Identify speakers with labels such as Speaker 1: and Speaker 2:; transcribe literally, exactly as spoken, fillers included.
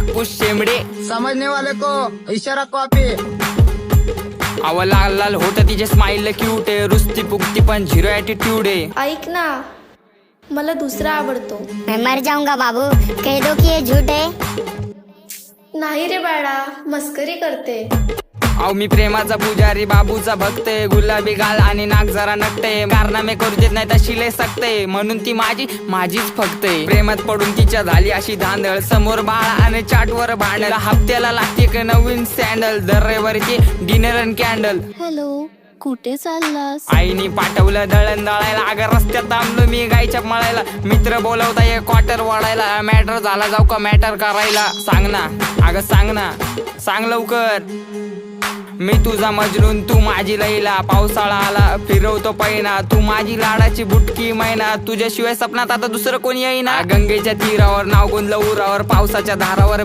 Speaker 1: कापूस शेंबडे,
Speaker 2: समझने वाले को इशारा कॉपी।
Speaker 1: अव लाल लाल होत तिचे स्माइल क्यूट आहे, रुस्ती पुकती पण झिरो ॲटिट्यूड आहे.
Speaker 3: ऐक ना, मला दुसरा आवडतो.
Speaker 4: मैं मर जाऊंगा बाबू, कह दो कि ये झूठ है.
Speaker 3: नाही रे बाळा, मस्करी करते.
Speaker 1: अहो मी प्रेमाचा पुजारी, बाबूचा भक्त आहे. गुलाबी गाल आणि नाक जरा नकटे, कारनामे करू देत नाही तशी लय सकते, म्हणून ती माझी माझीच फक्त आहे. प्रेमात पडून तिच्या झाली अशी धांदळ, समोर बाळा आणि चाटवर भांडल. हप्त्याला लागते एक नवीन सँडल, दर रविवारीची डिनर अँड कॅन्डल.
Speaker 5: हॅलो, कुठे चाललास?
Speaker 1: आईनी पाठवलं दळण दळायला, अगं रस्त्यात थांबलो मी गायच्या मळायला. मित्र बोलवता एक क्वार्टर वाढायला, मॅटर झाला जाऊ का मॅटर करायला. सांग ना अगं सांग ना, सांग लवकर. मी तुझा मजनून तू माझी लैला, पावसाळा आला फिरवतो पैना, तू माझी लाडाची बुटकी मैना, तुझ्याशिवाय सपनात आता दुसरं कोणी येईना. गंगेच्या तीरावर नाव गुंजलं उरावर, पावसाच्या धारावर